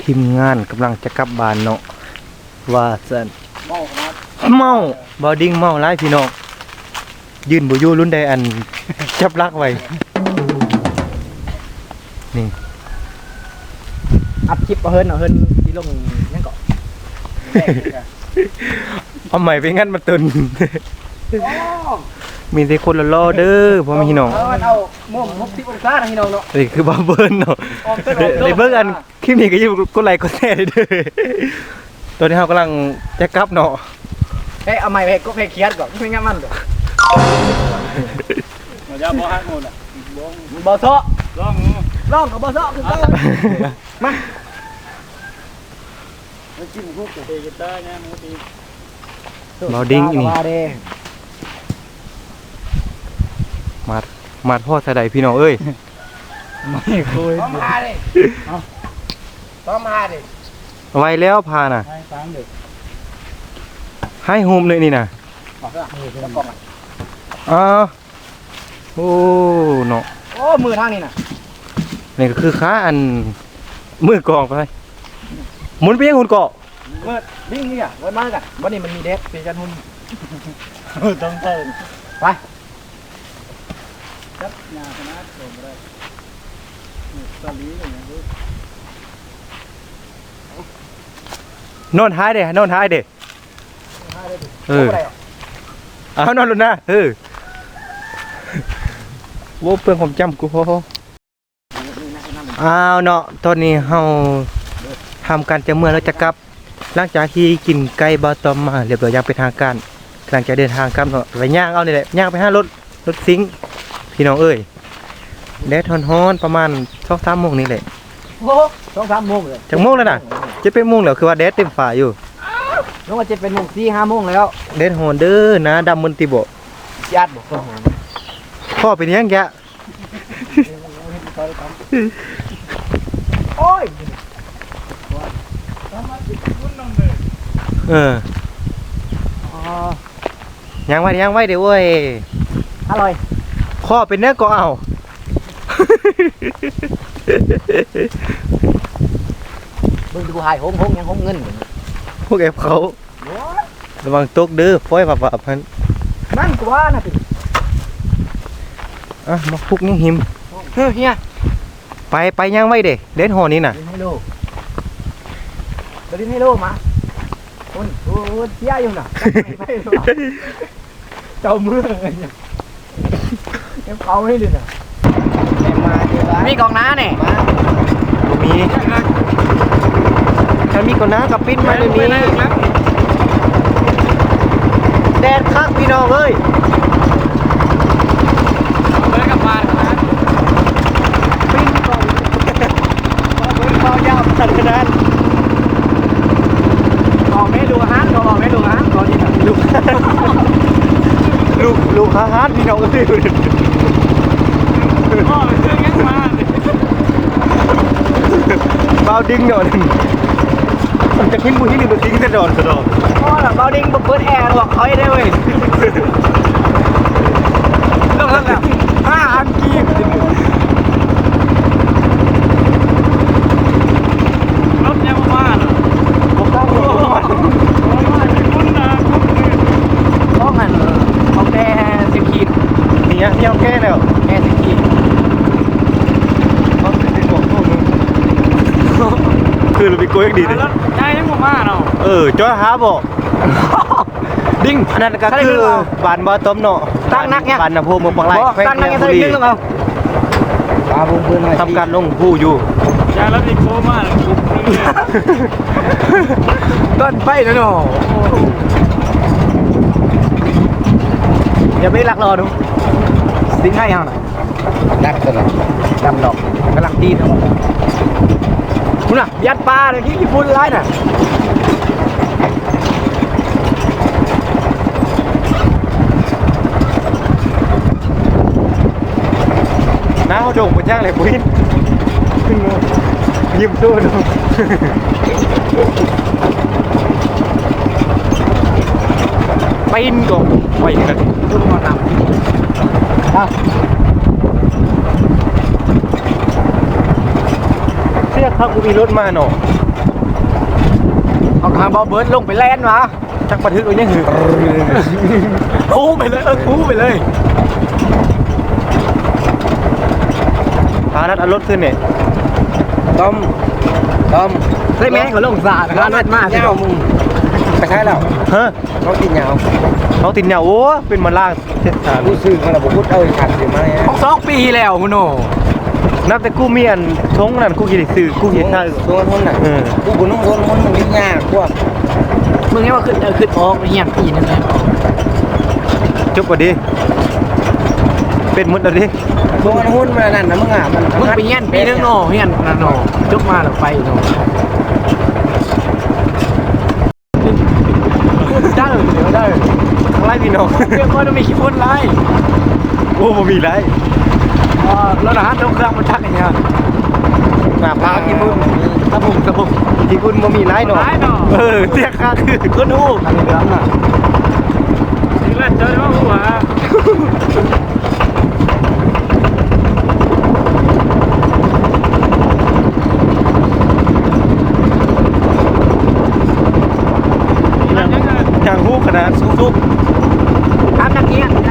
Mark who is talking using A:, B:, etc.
A: ทีมงานกำลังจะกลับบ้านเนาะว่าสันเมาบอดิ้งเมาหลายพี่น้องยืนบ่อยู่รุ่นใดอัน จับลักไว้นี่
B: อัพคลิปเอาเฮิร์นที่ลงนั่นก่อน
A: เอาใหม่ไปงั้นมาตุน มีแต่คนละล้อเด้อพ่อแม่พี่น้อง
B: เอามุม60องศาพี่น้องเนาะ
A: นี่คือบาเบิร์นเนาะในเบิ่งอันคลิปนี้ก็อยู่กดไลค์กดแชร์เด้อตอนนี้เรากำลังจะกลับเนาะ
B: เฮ้ยเอาใหม่ไปก็เพลเคียดก่อนไม่งั้นมันเด้อ
C: เราจะบ่ฮักหมดอ่ะ
B: บ่ซอ
C: ลอง
B: กับบ่ซอคือเก่ามา
C: แล้วจิ้มคุกกับเตกิต้าเนี่ยมันตี
A: บาดิ้งนี่
B: มาเด้
A: มาพ่อสะใดพี่น้องเอ้ย
C: ไม่คุย
B: ต้องมาเด้ต้องมาเด้
A: ไว้แล้วพาน่ะ
C: ให้ฟังเด็ก
A: ให้โฮมเลยนี่น่ะ
B: บอกเด้อแล้วกล่องอ่ะ
A: อ้าวโอ้เนาะ
B: โอ้มือทางนี้น่ะ
A: นี่ก็คือค้าอันมือกองไปหมุนไปยังหุ่นเกาะ
B: มือดิ้งนี่อ่ะไว้มากันวันนี้มันมีเด็กเป็นกันหุ่น
C: ต้องเติม
B: ไป
C: ครับยาคณะโดนได้ตอนนี้เลยนะลูก
A: นอนท้ายเด้นอนท้ายเด้เออเอานอนลงนะโว้เพื่อนผมจำกูพออ้าวเนาะตอนนี้เฮาทำการจะเมื่อแล้วจะกลับหลังจากที่กินไก่บาตอมมาเรียบร้อยอย่างเป็นทางการกำลังจะเดินทางกลับเนาะไปย่างเอานี่แหละย่างไปหารถซิงค์พี่น้องเอ้ยแดดฮ้อนๆประมาณ 2-3 โมงนี่แหละ
B: โอ้2-3 โมงเลย
A: จังโมงแล้วน่ะจะเป็นโมงแล้วคือว่าแดดเต็มฟ้าอยู่
B: น้องว่าจะเป็นโมง4-5 โมงแล้ว
A: แดดฮ้อนเด้อนะดำมันติบ่
B: ญาติบอก
A: พ่อเป็นยังแกะ
B: โอ้ย
A: เออ
B: อ๋อ
A: ยังไว้เดี๋ยวเว้ย
B: อร่อย
A: ข้อเป็นเนื้อก็เอา
B: มึงดูหายหงยังหงเงิน
A: พวกแอบเขาระวังตกเด้อฟ้อยฝับพัน
B: นั่นกูว่านะพี่
A: อ่ะมาพุกยังหิม
B: เฮ้ยเฮีย
A: ไปยังไว้เด้เด่นหอนี้น่ะ
B: ดินให้โลดินให้โลมาคนโอ้เสียอยู่น่ะเจ้าเมืองไงเนี่ยเก็บเขาให้ดิน่ะมีกองน้าเนี่ย
A: บ่มีถ้ามีก็น้ากับปิ้นมาเดี๋ยวนี้แดดคักพี่น้องเอ้ย
C: เลยกลับบ้านนะ
A: ปิ้นก่อนเบายาวขนาด
B: กองไม่ดูอาหารกองไม่ดูอาหารกองที่ไหน
A: ลูกฮาร์ดพี่น้องเอ้ย
C: พ่อเป็นเรื่องงั้นมา
A: เบาดิ้งหน่อยมันจะขึ้นบุหินหรือดิ้งจะโดนกระโดด
B: พ่อน่ะเบาดิ้งเปิดแอร์บอกเขาให้ได้เว้ยต้องทำแบบ5,000 กีบ
C: รถยังมาเหรอ
A: ผมตั้งรถมา
C: คุณนะคุณ
B: ต้องหันเอาแต่10 ขีด
A: นี่เอาแก้แล้ว
B: แค่10 ขีด
A: คือเราไปโกยดีเลย
C: รถใช่ยังมาเนาะ
A: จอยหาบอกดิ้งอันนั้นก็คือบานบอต้มเนาะบานนะพูเมืองบางไร่แขวง
B: ตั้งนั่ง
A: แค
B: ยัง
A: บุ
B: ไง
A: รี
B: นึงเอาปลาบุ้งเบิ้ล
A: ทำการลงผู้อยู่
C: ยาแล้วอีกโคมาเลย
B: ต้นไปนะเนาะอย่าไปลักรอดูสิ่งให้เอาหน่อยดักตลอดดำดอกกำลังตีนะคุณน่ะยัดปลาเลยที่ญี่ปุ่นร้ายน่ะ
A: น้าเขาโด่งไปจ้างเลยปุ้ยยิ้มสู้ดูปีนก่อนไปกัน
B: ดูมันนำครับ
A: เสียครับกูมีรถมาเนาะ
B: เอาทางเบาเบิร์ดลงไปแล่นมา
A: จักบันทึกไว้ยังหือ
B: อู้ไปเลยอู้ไปเลย
A: พานัดเอารถขึ้นเนี่ย
C: ต้ม
B: ได้แม่เขาลงสาดนะครับนัดมาก
C: เงามึงไปใช้แล้ว
A: ฮะ
C: เขากินเงา
A: เขาติดเหนียวโอ้เป็นมาล่างเทศกาล
C: ผู้ซื้อเขาเราบอกพูดขัดเดี๋ยวมาเนี่ย
B: ของ2 ปีแล้วคุณโน
A: นับแต่กูมีอันชงนั่นกูกินได้ซื้อกูกินข้าว
C: ตัวคนน่ะกูบุญน้องคนมันยิ่งยากกว่า
B: มึงนี่ว่าขึ้นออกเฮียปีนึงเลย
A: จบกว่าดิเป็นมุดแล้วดิ
C: ตัวหุ้นมานั่นนะมึงอ่ะมัน
B: มึงไปเฮียนปีนึงโนเฮียนนั่นโนจบมาแล้วไปโนได้เลยเดี๋ยวได้
A: ไล่พี่น้อง
B: เรียกว่าจะมีขี้พ่นไร
A: โอ้บ่มีไร
B: แล้วนะฮะต้องเครื่องมันชักอย่างเงี้ย
A: หน้าพากี่พุ่น
B: ตะบุก
A: กี่พุ่นบ่มีไรหนอ
B: ร้ายหนอ
A: เสียค่าคือคนฮู้
B: ทางเหลืองอ่ะ
C: นี่แหละเจอว่าหัว
A: อย่างฮู้ขนาดซุก
B: ทำนักเงี้ย